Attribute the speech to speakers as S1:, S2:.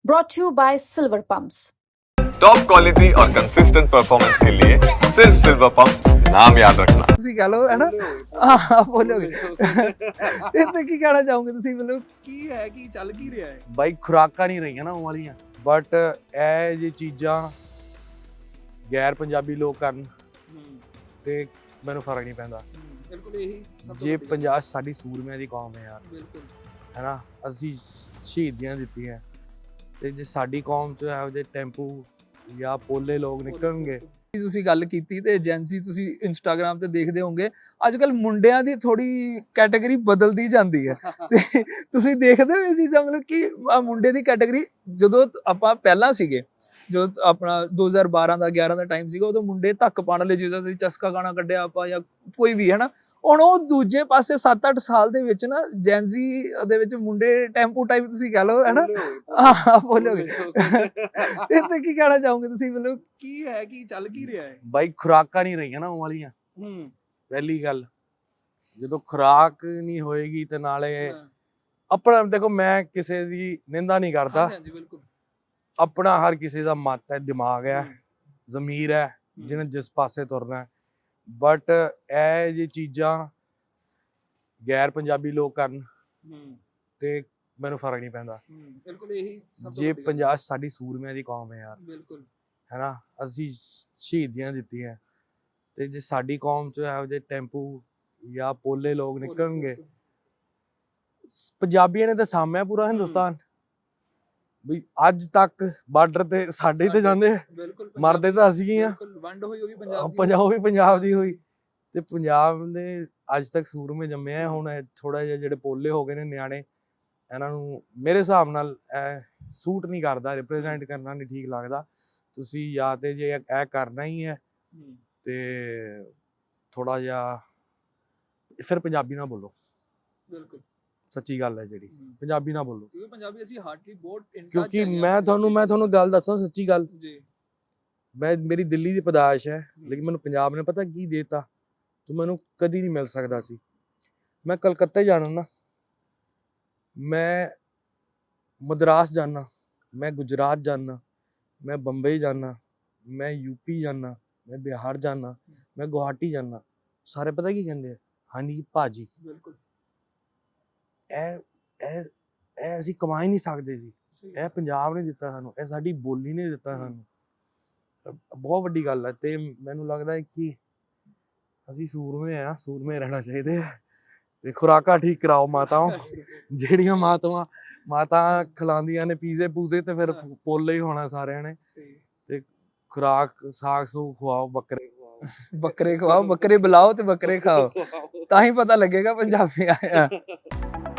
S1: brought to you by Silver Pumps.
S2: Top quality और consistent performance के लिए सिर्फ सिल्वर पंप नाम याद रखना।
S3: ਤੁਸੀਂ ਕਹ ਲਓ ਹੈ ਨਾ ਹਾਂ ਬੋਲੋਗੇ ਤੇ ਕੀ ਕਹਿਣਾ ਚਾਹੋਗੇ ਤੁਸੀਂ ਮਤਲਬ ਕੀ ਹੈ ਕੀ ਚੱਲ ਕੀ ਰਿਹਾ ਹੈ
S4: ਬਾਈ ਖੁਰਾਕਾਂ ਨਹੀਂ ਰਹੀਆਂ ਨਾ ਉਹ ਵਾਲੀਆਂ ਬਟ ਇਹ ਜੇ ਚੀਜ਼ਾਂ ਗੈਰ ਪੰਜਾਬੀ ਲੋਕ ਕਰਨ ਤੇ ਮੈਨੂੰ ਫਰਕ ਨਹੀਂ ਪੈਂਦਾ।
S3: ਬਿਲਕੁਲ ਇਹੀ ਸਭ ਤੋਂ
S4: ਜੇ
S3: ਵੱਡੀ ਗੱਲ।
S4: ਪੰਜਾਬ ਸਾਡੀ ਸੂਰਮਿਆਂ ਦੀ ਕੌਮ ਹੈ ਯਾਰ,
S3: ਬਿਲਕੁਲ
S4: ਹੈ ਨਾ, ਅਸੀਂ ਸ਼ਹੀਦੀਆਂ ਦਿੱਤੀਆਂ ਤੇ ਜੇ ਸਾਡੀ ਕੌਮ 'ਚ ਇਹੋ ਜਿਹੇ ਟੈਂਪੂ ਜਾਂ ਪੋਲੇ ਲੋਕ ਨਿਕਲਣਗੇ।
S3: ਤੁਸੀਂ ਗੱਲ ਕੀਤੀ ਤੇ ਏਜੰਸੀ ਤੁਸੀਂ ਇੰਸਟਾਗ੍ਰam ਤੇ ਦੇਖਦੇ ਹੋਵੋਗੇ ਅੱਜ ਕੱਲ ਮੁੰਡਿਆਂ ਦੀ ਥੋੜੀ ਕੈਟਾਗਰੀ ਬਦਲਦੀ ਜਾਂਦੀ ਹੈ ਤੇ ਤੁਸੀਂ ਦੇਖਦੇ ਹੋ ਇਹ ਚੀਜ਼ਾਂ ਮਤਲਬ ਕਿ ਮੁੰਡੇ ਦੀ ਕੈਟਾਗਰੀ ਜਦੋਂ ਆਪਾਂ ਪਹਿਲਾਂ ਸੀਗੇ ਜਦੋਂ ਆਪਣਾ 2012 ਦਾ 11 ਦਾ ਟਾਈਮ ਸੀਗਾ ਉਦੋਂ ਮੁੰਡੇ ਧੱਕ ਪਾਣ ਵਾਲੇ ਜਿਹਦਾ ਸੀ ਚਸਕਾ ਗਾਣਾ ਕੱਢਿਆ ਆਪਾਂ ਜਾਂ ਕੋਈ ਵੀ ਹੈ ਨਾ। ਹੁਣ ਉਹ ਦੂਜੇ ਪਾਸੇ 7-8 ਸਾਲ ਦੇ ਵਿੱਚ ਨਾ ਜੈਨਜ਼ੀ ਦੇ ਵਿੱਚ ਮੁੰਡੇ ਟੈਂਪੂ ਟਾਈਪ ਤੁਸੀਂ ਕਹ ਲਓ ਹੈ ਨਾ ਹਾਂ ਬੋਲੋਗੇ ਤੇ ਕੀ ਕਹਿਣਾ ਚਾਹੋਗੇ ਤੁਸੀਂ ਮਤਲਬ ਕੀ ਹੈ ਕੀ ਚੱਲ ਕੀ ਰਿਹਾ ਹੈ
S4: ਬਾਈ ਖੁਰਾਕਾਂ ਨਹੀਂ ਰਹੀਆਂ ਨਾ ਉਹ ਵਾਲੀਆਂ। ਪਹਿਲੀ ਗੱਲ ਜਦੋਂ ਖੁਰਾਕ ਨਹੀਂ ਹੋਏਗੀ ਤੇ ਨਾਲੇ ਆਪਣਾ ਦੇਖੋ ਮੈਂ ਕਿਸੇ ਦੀ ਨਿੰਦਾ ਨਹੀਂ ਕਰਦਾ,
S3: ਹਾਂਜੀ ਬਿਲਕੁਲ
S4: ਆਪਣਾ ਹਰ ਕਿਸੇ ਦਾ ਮਤ ਹੈ, ਦਿਮਾਗ ਹੈ, ਜ਼ਮੀਰ ਹੈ, ਜਿਹਨੇ ਜਿਸ ਪਾਸੇ ਤੁਰਨਾ ਹੈ। ਬਟ ਇਹ ਜੇ ਚੀਜ਼ਾਂ ਗੈਰ ਪੰਜਾਬੀ ਲੋਕ ਕਰਨ ਤੇ ਮੈਨੂੰ ਫਰਕ ਨਹੀਂ ਪੈਂਦਾ।
S3: ਬਿਲਕੁਲ ਇਹੀ ਸਭ ਤੋਂ
S4: ਜੇ
S3: ਵੱਡੀ ਗੱਲ।
S4: ਪੰਜਾਬ ਸਾਡੀ ਸੂਰਮਿਆਂ ਦੀ ਕੌਮ ਹੈ ਯਾਰ,
S3: ਬਿਲਕੁਲ
S4: ਹੈ ਨਾ, ਅਸੀਂ ਸ਼ਹੀਦੀਆਂ ਦਿੱਤੀਆਂ ਤੇ ਜੇ ਸਾਡੀ ਕੌਮ 'ਚ ਇਹੋ ਜਿਹੇ ਟੈਂਪੂ ਜਾਂ ਪੋਲੇ ਲੋਕ ਨਿਕਲਣਗੇ। ਪੰਜਾਬੀਆਂ ਨੇ ਤਾਂ ਸਾਂਭਿਆ ਪੂਰਾ ਹਿੰਦੁਸਤਾਨ ਵੀ ਅੱਜ ਤੱਕ ਬਾਰਡਰ ਤੇ ਸਾਡੇ ਤੇ ਜਾਂਦੇ ਆ,
S3: ਬਿਲਕੁਲ
S4: ਮਰਦੇ ਤਾਂ ਅਸੀਂ ਹੀ ਆ।
S3: ਬਿਲਕੁਲ ਵੰਡ ਹੋਈ ਉਹ ਵੀ ਪੰਜਾਬ ਦੀ
S4: ਪੰਜਾਬ ਵੀ ਪੰਜਾਬ ਦੀ ਹੋਈ ਤੇ ਪੰਜਾਬ ਨੇ ਅੱਜ ਤੱਕ ਸੂਰਮੇ ਜੰਮੇ ਆ। ਹੁਣ ਥੋੜਾ ਜਿਹਾ ਜਿਹੜੇ ਪੋਲੇ ਹੋ ਗਏ ਨੇ ਨਿਆਣੇ, ਇਹਨਾਂ ਨੂੰ ਮੇਰੇ ਹਿਸਾਬ ਨਾਲ ਇਹ ਸੂਟ ਨਹੀਂ ਕਰਦਾ, ਰਿਪਰੈਜ਼ੈਂਟ ਕਰਨਾ ਨਹੀਂ ਠੀਕ ਲੱਗਦਾ। ਤੁਸੀਂ ਜਾਂ ਤੇ ਜੇ ਇਹ ਕਰਨਾ ਹੀ ਹੈ ਤੇ ਥੋੜਾ ਜਿਹਾ ਫਿਰ ਪੰਜਾਬੀ ਨਾ ਬੋਲੋ।
S3: ਬਿਲਕੁਲ
S4: ਸੱਚੀ ਗੱਲ ਹੈ ਜਿਹੜੀ, ਪੰਜਾਬੀ ਨਾ ਬੋਲੋ।
S3: ਕਿਉਂਕਿ ਪੰਜਾਬੀ ਅਸੀਂ ਹਾਰਟਲੀ ਬਹੁਤ
S4: ਕਿਉਂਕਿ ਮੈਂ ਤੁਹਾਨੂੰ ਗੱਲ ਦੱਸਾਂ ਸੱਚੀ ਗੱਲ,
S3: ਜੀ
S4: ਮੇਰੀ ਦਿੱਲੀ ਦੀ ਪੈਦਾਇਸ਼ ਹੈ ਲੇਕਿਨ ਮੈਨੂੰ ਪੰਜਾਬ ਨੇ ਪਤਾ ਕੀ ਦੇਤਾ ਜੋ ਮੈਨੂੰ ਕਦੀ ਨਹੀਂ ਮਿਲ ਸਕਦਾ ਸੀ। ਮੈਂ ਕਲਕੱਤੇ ਜਾਣਾ ਨਾ, ਮੈਂ ਮਦਰਾਸ ਜਾਣਾ, ਮੈਂ ਗੁਜਰਾਤ ਜਾਣਾ, ਮੈਂ ਬੰਬਈ ਜਾਣਾ, ਮੈਂ ਯੂਪੀ ਜਾਣਾ, ਮੈਂ ਬਿਹਾਰ ਜਾਣਾ, ਮੈਂ ਗੁਹਾਟੀ ਜਾਣਾ, ਸਾਰੇ ਪਤਾ ਕੀ ਕਹਿੰਦੇ ਆ, ਹਾਂਜੀ ਭਾਜੀ।
S3: ਬਿਲਕੁਲ
S4: ਇਹ ਅਸੀਂ ਕਮਾ ਹੀ ਨਹੀਂ ਸਕਦੇ ਸੀ, ਇਹ ਪੰਜਾਬ ਨੇ ਦਿੱਤਾ ਸਾਨੂੰ, ਇਹ ਸਾਡੀ ਬੋਲੀ ਨੇ ਦਿੱਤਾ ਸਾਨੂੰ। ਬਹੁਤ ਵੱਡੀ ਗੱਲ ਹੈ ਤੇ ਮੈਨੂੰ ਲੱਗਦਾ ਹੈ ਕਿ ਅਸੀਂ ਸੂਰਮੇ ਆ, ਸੂਰਮੇ ਰਹਿਣਾ ਚਾਹੀਦੇ ਆ ਤੇ ਖੁਰਾਕਾਂ ਠੀਕ ਕਰਾਓ ਮਾਤਾਓ। ਜਿਹੜੀਆਂ ਮਾਤਾ ਖਿਲਾਉਂਦੀਆਂ ਨੇ ਪੀਜ਼ੇ ਪੂਜ਼ੇ ਤੇ ਫਿਰ ਪੋਲੇ ਹੀ ਹੋਣਾ ਸਾਰਿਆਂ ਨੇ। ਤੇ ਖੁਰਾਕ ਸਾਗ ਸੂਗ ਖਵਾਓ, ਬੱਕਰੇ
S3: ਖਵਾਓ, ਬੱਕਰੇ ਬੁਲਾਓ ਤੇ ਬੱਕਰੇ ਖਾਓ ਤਾਂ ਹੀ ਪਤਾ ਲੱਗੇਗਾ ਪੰਜਾਬੀ ਆਇਆ।